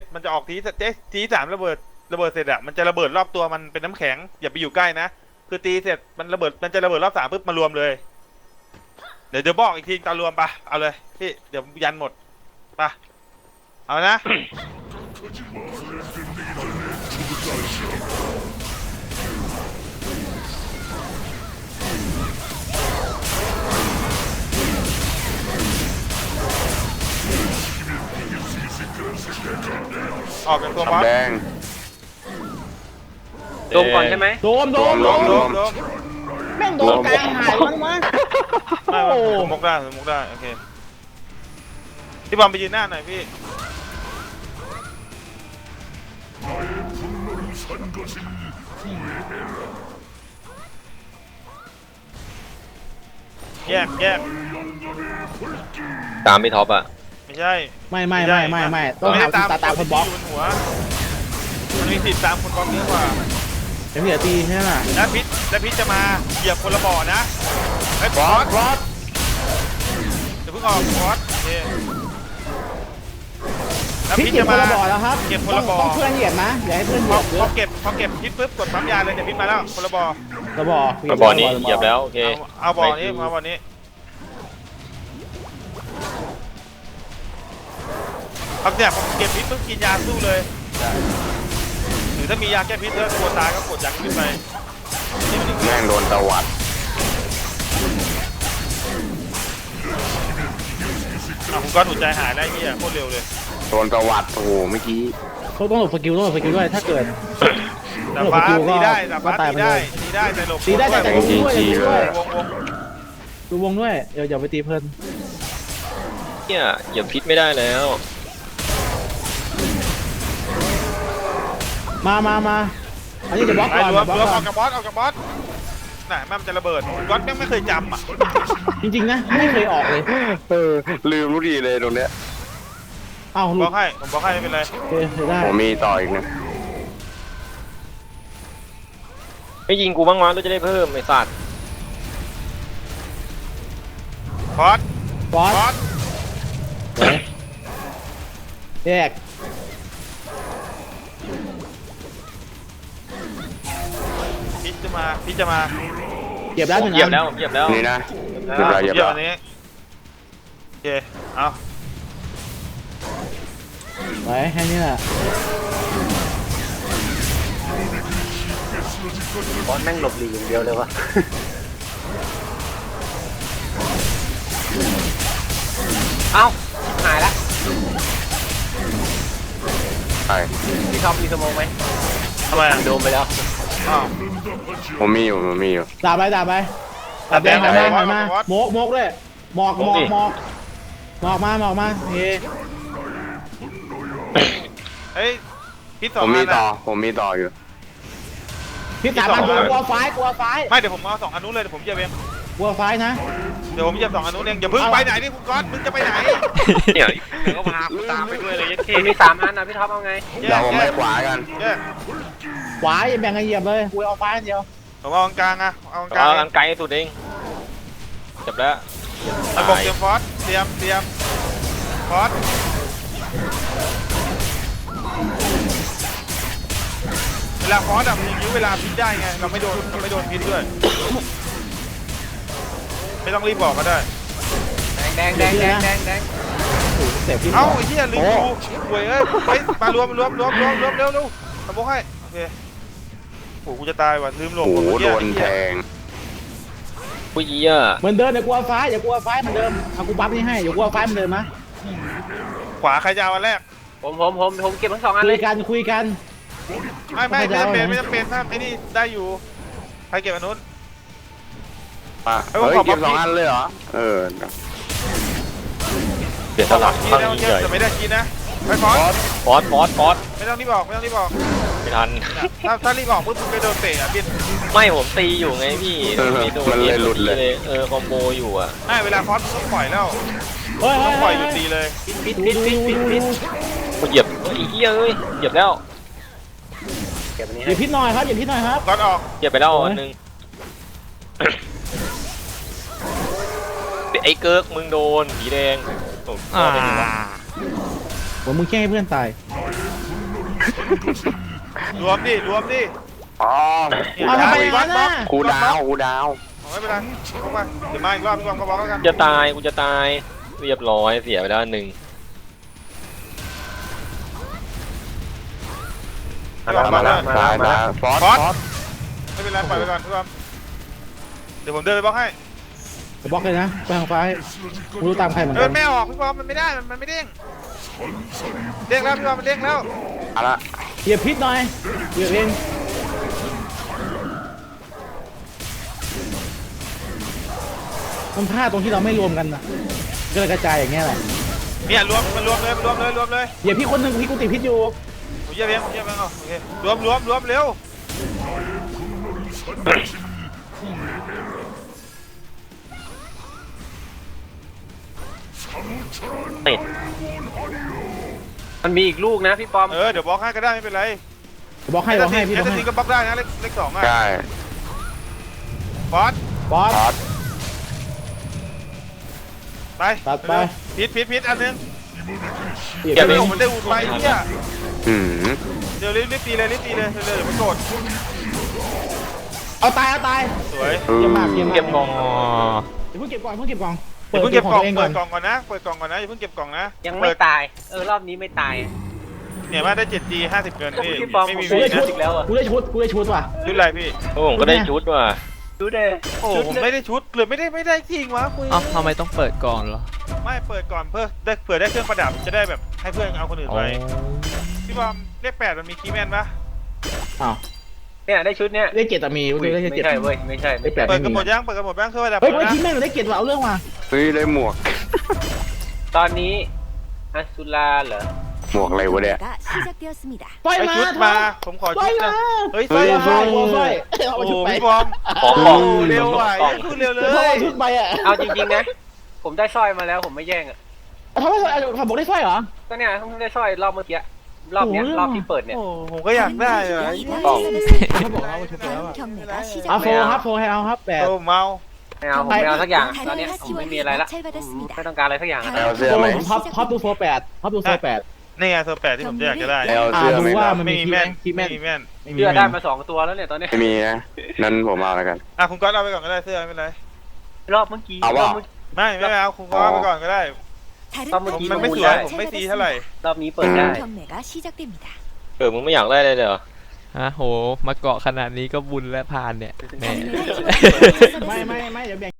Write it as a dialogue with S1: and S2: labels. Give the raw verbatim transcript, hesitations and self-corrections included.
S1: มันจะออกทีเจ๊ทีสามระเบิดระเบิดเสร็จอะมันจะระเบิดรอบตัวมันเป็นน้ำแข็งอย่าไปอยู่ใกล้นะคือตีเสร็จมันระเบิดมันจะระเบิดรอบสามปุ๊บมารวมเลยเดี๋ยวจะบอกอีกทีตอนรวมปะเอาเลยพี่เดี๋ยวยันหมดปะเอานะออกจากตัวบอส
S2: แดง
S3: โดมก่อนใช่ไหม
S4: โดมโดม
S1: โด
S4: โด
S1: ม
S4: ม
S1: โดมโดม
S4: แม่งโดมกลางหายมันมา
S1: ไม่
S4: โอ้
S1: ผมมุกได้ผมมุกได้โอเคพี่บอลไปยืนหน้าหน่อยพี่แยกแยก
S3: ตามพี่ท็อปอ่ะ
S1: ไม่ใช่
S4: ไม่ไม่ไม่ไม่ไม่ต้อง
S1: ไม่
S4: หา
S1: ได้
S4: ตาตามคนบล็อก
S1: ที่ยู่บนหัวมันมีสิทธิ์ตามคนบล็อกเยอะกว่า
S4: เดี๋ยวพี่จะตีใช่ไหม
S1: แล้วพิษแล้วพิษจะมาเหยียบคนละบ่อนะไอ้บอสบอสเดี๋ยวเพิ่งออกบอสโอเคแล้ว
S4: พี่
S1: พิษ
S4: เก็บ
S1: จะ
S4: คน
S1: มา
S4: ละบ่อแล้วครับ
S1: เก็บคนละบ่อ
S4: ต้องเพื่อนเหยียบนะอย่าให้เพื่อนเห
S1: พ
S4: ยี
S1: อย
S4: บเย
S1: พอ
S4: อะ
S1: เก็บพอเก็บพิษปุ๊บกดปั๊มยาเลยเดี๋ยวพิษมาแล้วคนละบ่อ
S4: ระบ่อ
S3: มาบ่อนี้เหยียบแล้วโอเค
S1: เอาเอาบ่อนี้มาบ่อนี้ครับเนี่ยผมเก็บพิษปุ๊บกินยาสู้เลยหรือถ้ามียาแก้พิษแล้วกลัวตายก็กดยาขึ้นไปนี่มันอีก
S2: แม่งโดนตะวัด
S1: อ่ะผมก็หนุนใจหายได้เฮียโคตรเร็วเลย
S2: โดนตะวัดโอ้โหเมื่อกี้
S4: เขาต้องหลบสกิลต้องหลบสกิลด้วยถ้าเกิด
S1: แต่ฟ้า
S4: หลบสกิลก็
S1: ตีได้แต่ฟ้า
S4: ก็ตาย
S1: ตี
S4: ไป
S1: ได้
S4: เลย
S1: ตีได้แต่หลบ
S4: ตีได้แต่
S1: ว
S4: วงด้วยอย่าตีด้วย
S1: งวง
S4: ดูวงด้วยเดี๋ยวอย่าไปตีเพลิน
S3: เนี่ยเหยียบพิษไม่ได้แล้ว
S4: มามามาอันนี้จะบล็อก
S1: ไป
S4: ก่อน
S1: รวม
S4: บล็อก
S1: รวม
S4: ก่
S1: อ
S4: อ
S1: อน กกับบอสออกกับบอสน่ะแม่มันจะระเบิดก๊อตแม่งไม่เคยจำอ่ะ
S4: จริงๆนะไม่เคยออกเลย
S2: เออลืมรู้ดีเลยตรงเนี้ย
S4: เอ้าห
S1: บ
S4: ลุ
S1: อ
S4: ด
S1: กให้ผมบอกให้ไม่เป็นไร
S4: โอเคเสียได้
S2: ผมมีต่ออีกนะ
S3: ไม่ยิงกูบ้างวะเราจะได้เพิ่มไอ้สัตว์
S1: บอส
S4: บอส
S1: บอส
S4: ไหนแยก
S1: พี่จะมาพี่จะมา
S4: เก็บแล้วหนึ่ง
S3: เหยียบ
S4: อัน
S3: แล้วเหยียบแล้ว
S2: นี่นะเรียบร้อยเรียบ
S1: เดี๋ยว
S2: ร้อย
S1: อันนี้โอเคเอา
S4: ไว้แค่นี้แหละ
S3: บอสแม่งหลบหลีอย่างเดียวเลยวะ เอ้าหายละ
S2: ใช่
S3: พี่ท็อปมีสโมองไหม
S1: ทำไมอ่ะ
S3: โดมไปแล้ว
S1: อ้าว
S2: ผมมีอยู่ผมมีอยู่
S4: ดาบไปดาบไปดาบแดงหันมาหันมาโมกโมกด้วยหมอกหมอกหมอกหมอกมาหมอกมาเฮ้
S1: เฮ้ยพี่ส
S2: ผ
S1: อง
S2: มมี
S1: อัน
S2: ต่อ
S1: อ่ะ
S2: ผมมีต่ออยู่
S4: พี่สามอันกลัวไฟกลัวไฟ
S1: ไม่เดี๋ยวผมเอาสองอันนู้นเลยเดี๋ยวผมเหยียบเอง
S4: กลัวไฟนะ
S1: เดี๋ยวผมเหยียบสองอันนู้นเองอย่าเพิ่งไปไหนนี่คุณก๊อตมึงจะไปไหน
S3: เนี่ยเดี๋ยวก็พากูตามไปด้วยเลยยัดเคมีสามอันนะพี่ท็อปเอาไง
S1: แย
S2: เดี๋ยว
S1: ก
S2: ผม
S1: แย
S2: ไป
S1: ก
S2: ขวากัน
S1: แยก
S4: ขวาอย่าแบ่งกันเหยียบเลยกูเอาไฟอันเดียว
S1: ผมเอากลางอ่ะเอากลาง
S3: เอาอันไกลสุดเองจับแล้ว
S1: ระบบเตรียมฟอสเตรียมเตรียมฟอสเวลาฟอสอ่ะมีวิวเวลาพิษได้ไงเราไม่โดนเราไม่โดนพิษด้วยไม่ต้องรีบบอกก็ได้
S3: แดงแดงแดงแดงแดง
S4: โอ้โหเสียพี่
S1: เอ้าไอ้เหี้ยลืมดูหวยเอ้ยไปมารวมรวมรวมรวมรวมเร็วเร็วทำโบให้โอเคโอ้กูจะตายว่ะลืมหล
S2: โอ้
S1: บ
S2: โห
S1: เมื่อ
S2: โด
S1: กี้
S2: นแทง
S3: ผู้ยี่อ่ะ
S4: เหมือนเดิมอย่ากลัวไฟอย่ากลัวไฟเหมือนเดิมเอากูปั๊บนี่ให้อย่ากลัวไฟเหมือนเดิมนะ
S1: ขวาใครจะเอาอันแรก
S3: ผมผมผมผมเก็บทั้งสองอัน
S4: คุ
S3: เลย ย
S4: กันคุยกัน
S1: ไม่ไม่ไม่จำเป็น
S4: ไม่
S1: ไม่
S4: ได้
S1: จำเป็นถ้าไอ้นี่ได้อยู่ใครเก็บอันนู้น
S2: อ่ะ
S1: เอ้
S2: เฮ้
S1: ย
S2: ย
S1: ผมขอ
S2: เก็บสอง
S1: ปั๊บ
S2: อันเลยเหรอ เออ
S3: เดี๋ยว
S1: ข
S3: ส
S1: อ
S3: ลั
S1: ปั๊
S3: บบ
S1: ที
S3: ข้าง
S1: แล้ว
S3: นี้
S1: เย
S3: ให
S1: อะ
S3: ญ่
S1: แต่ไม่ได้กินนะไปฟอส
S3: ฟอสฟอสฟอส
S1: ไม่ต้องรีบบอกไม่ต้องรีบบอก
S3: ไม่ทัน
S1: ถ้าถ้ารีบบอกปุ๊บมึงไปโดนเตะอ่ะบิน
S3: ไม่ผมตีอยู่ไงพี่
S2: เออ
S3: ไม่โดน
S2: มันเลยหลุดเลย
S3: เออคอมโบอยู่อ่ะ
S1: ไม่เวลาฟอสมึงต้องปล่อยแล้ว
S4: เฮ้ย
S1: ต้
S4: เฮ้
S1: อย งปล่อยหยุดตีเลย
S3: ปิด
S4: ดู
S3: ปิด
S4: ดู
S3: ปิด
S4: ดู
S3: ปิด
S4: ดู
S3: ปิดกูเหยียบเฮ้ยเฮียเอ้ยเหยียบแล้วเก็บอันนี้
S4: อ
S3: ให้
S4: ย่าพิษหน่อยครับอย่าพิษหน่อยครับ
S1: ก๊อตออก
S3: เหยียบไปแล้วอันหนึงไอ้เกิร์กมึงโดนผีแดงโอ้โห
S4: อ่าผมมึงแค่ให้เพื่อนตาย
S1: รวมดิรวมดิ
S2: อ๋อ
S1: เนี่ย
S4: เอาทำไม
S1: อีก
S4: อย่าง
S1: บล็
S4: นั้
S1: อน ก
S4: น่ะ
S2: ครูดาวครูดาว
S1: เอาไม่เป็นไรเข้าไปเดี๋ยวมาอีกรอบพี่บอมก็บล็อกแล้วกัน
S3: จะตายกูจะตายเรียบร้อยเสียไปแล้วหนึ่ง
S1: พี่บอมบล็
S2: มา
S1: อก
S2: แล้
S1: แล้ว ว
S2: ตายตายฟอส
S1: ฟอส
S2: ฟอส
S1: ไม่เป็นไรปล่อยไปก่อนพี่บอมเดี๋ยวผมเดินไปบล็อกให้
S4: ไปบล็อกเลยนะไปทางซ้ายไม่รู้ตามใครเหมือน
S1: เดิ
S4: กัน น
S1: ไม่ออกพี่บอมมันไม่ได้มันมันไม่เด้งเด้งแล้วพี่บอมมันเด้งแล้ว
S2: เอาละ
S4: เหยียบพิษหน่อยเหยียบเองมันพลาดตรงที่เราไม่รวมกันน่ะก็เลยกระจายอย่างเงี้ยแหละ
S1: เนี่ยรวมมันรวมเลยมันรวมเลยรวมเลย
S4: เหยียบพี่คนหนึ่งพี่กูติดพิษอยู่
S1: ผมเยี่ยมเองผมเยี่ยมเองเอาโอเครวมรวมรวมเร็ว
S3: ติดมันมีอีกลูกนะพี่ปอม
S1: เออเดี๋ยวบล็อกให้ก็ได้ไม่เป็นไร
S4: บล็อกให้บล็อกให้พี่บ
S1: แอ
S4: ล็อก
S1: ส
S4: ให้
S1: ซินก็บล็อกได้นะเลขเลขสองอ่ะ
S2: ได้
S1: บอส
S4: บอส
S2: ฟอส
S1: ไป
S4: ตัดไป
S1: พิษพิษพิษอันนึง
S4: เหยียบ
S1: เดี๋ยว
S4: เอ
S1: ไม่
S4: ง
S1: ผมมันได้อูดไปเนี่ย
S2: อืม
S1: เดี๋ยวรีบรีบตีเลยรีบตีเลยเร็วๆเดี๋ยวมันโกรธ
S4: เอาตายเอาตาย
S1: สวย
S2: อื
S4: เยี่ยม
S2: ม
S4: มากเยี่ยมมาก
S3: เก็บกล่อง
S4: เดี๋ยวเพิ่งเก็บก่อนเพิ่งเก็บกล่อง
S1: อย่าเพิ่งเก็บกล่อง
S4: เองก่
S1: เปิ
S4: อน
S1: ดกล่องก่อนนะเปิดกล่องก่อนนะอย่าเพิ่งเก็บกล่องนะ
S3: ยัง
S1: เปิ
S3: ไม่
S1: ด
S3: ตาย เออรอบนี้ไม่ตาย
S1: เนี่ยมาได้ เจ็ดจี ห้าสิบเงินพี่
S3: พี่ปอม
S1: ไม่มี
S3: ผ
S4: กู
S1: วี
S4: ได้
S1: นะ
S4: ชุด
S3: อีกแล้วอะ
S4: กูได้ชุดกูได้ชุดว่ะ
S1: ชุดอะไรพี่
S3: โอ้ผมก็ได้ชุดว่ะ
S5: ดูเด้
S1: โอ้ผมไม่ได้ชุดเลยไม่ได้ไม่ได้จริงวะคุย
S5: เอ้าทำไมต้องเปิดก่อนเหรอ
S1: ไม่เปิดก่อนเพื่อได้เผื่อได้เครื่องประดับจะได้แบบให้เพื่อนเอาคนอื่น
S5: อ๋อ
S1: ไปพี่บอมเลขแปดมันมีคีย์แมนปะ
S4: อ้าว
S3: เนี่ยได้ชุดเนี้ย
S4: ได้เจ็ดแต่มี
S3: อุ้ย
S4: ได้
S3: ไม่
S4: เจ็ด
S3: ใช่เว้ยไม่ใช่
S4: ได้แปด
S1: เปิ
S4: ไม่
S1: ดกัน
S4: มี
S1: หมดยังเปิดกันหมดบ้างเครื่องประดับ
S4: เฮ้ย
S1: หม
S4: เฮ้
S1: ด
S4: ย
S1: นะ
S4: ทีมแม่งได้เจ็ดว่ะเอาเรื่องว่ะ
S2: เฮ้ยได้หมวก
S3: ตอนนี้อัสุราเหรอ
S2: หมวกอะไรวะเนี่ย
S6: 시작되었습니다.
S4: ปล่อย
S1: ไอ
S4: มา
S1: ชุดมาผมขอ
S4: ปล่
S1: ชุ
S4: อย
S1: ด
S4: มา
S1: นะเฮ้ย
S2: เฮ้
S1: ใส่
S2: ย
S4: ปล่อย
S1: มา
S4: ปล่อยปล่อยเอา
S1: โอ้โห
S4: ชุดไป
S1: พี่บอม
S3: ขอข
S1: โอ้
S3: อง
S1: เร็วว่ะ
S3: กล่อง
S1: พูดเร็วเล
S4: เดี๋ยวพ่อย เอาชุดไปอ่ะ
S3: เอาจริงๆนะ ผมได้สร้อยมาแล้วผมไม่แย่งอ่ะ
S4: ทำไมทำบอกได้สร้อยเหรอ
S3: ก็เนี่ยเพิ่งได้สร้อยรอบเมื่อกี้รอบเนี้ย
S4: โอ้โห
S3: รอบที่เปิดเนี่ย
S1: โอ้ผมก็อยากได้อะ
S4: เขาบอกเอาชุดไปแล้วอ่ะ
S6: 경매가
S4: เอา
S6: 시작.
S4: โฟร์ครับโฟร์ให้เอาครับแปด
S1: โอ้เมา
S3: ไม่เอาผมไม่เอาสักอย่างตอนเนี้ยผมไม่มีอะไรละผมไม่ต้องการอะไรสักอย่างอะ
S2: เอาเสื้อ
S4: โฟ
S2: ไหม
S4: ร์ผมท็อปท็อปดูโฟร์แปดท็อปดูโฟร์แปด
S1: นี่ไงโซแปดที่ผมอยากจะได้
S2: เอา
S4: อ่า
S2: เสื้อ
S4: ดู
S2: ไหม
S4: ว่า
S2: ครับ
S4: มัน
S1: ไม่
S4: มี
S1: มี
S4: คีย์
S1: แม่
S4: แม่
S1: น
S4: นคีย์แม่น
S1: ไม่มีแม่น
S4: ไม่มี
S3: เสื้อได้มาสองตัวแล้วเนี่ยตอนเนี้ย
S2: ไม่มีนะนั้นผมเอาแล้วกัน
S1: อ่ะคุณก๊อตเอาไปก่อนก็ได้เสื้อไม่เป็นไร
S3: รอบเมื่อกี้
S2: เอา
S3: ร
S2: ว่ะ
S3: อบเมื่อ
S1: ไม่ไม่เอาคุณก๊อตเอาไปก่อนก็ได้
S6: 다른
S3: 아, 뭐
S6: 방법으로
S1: มันไม่สวยผมไม่ตีเท่าไหร่
S3: รอบนี้เปิดได้
S6: 경매가 시작됩니다.
S3: เออมึงไม่อยากได้เลยเหรอ
S5: ฮะโห มาเกาะขนาดนี้ก็บุญและพานเนี่ยแหม
S6: 경매가 시작됩니다.
S4: ไม่ไม่ไม่เดี๋ยวแบ่ง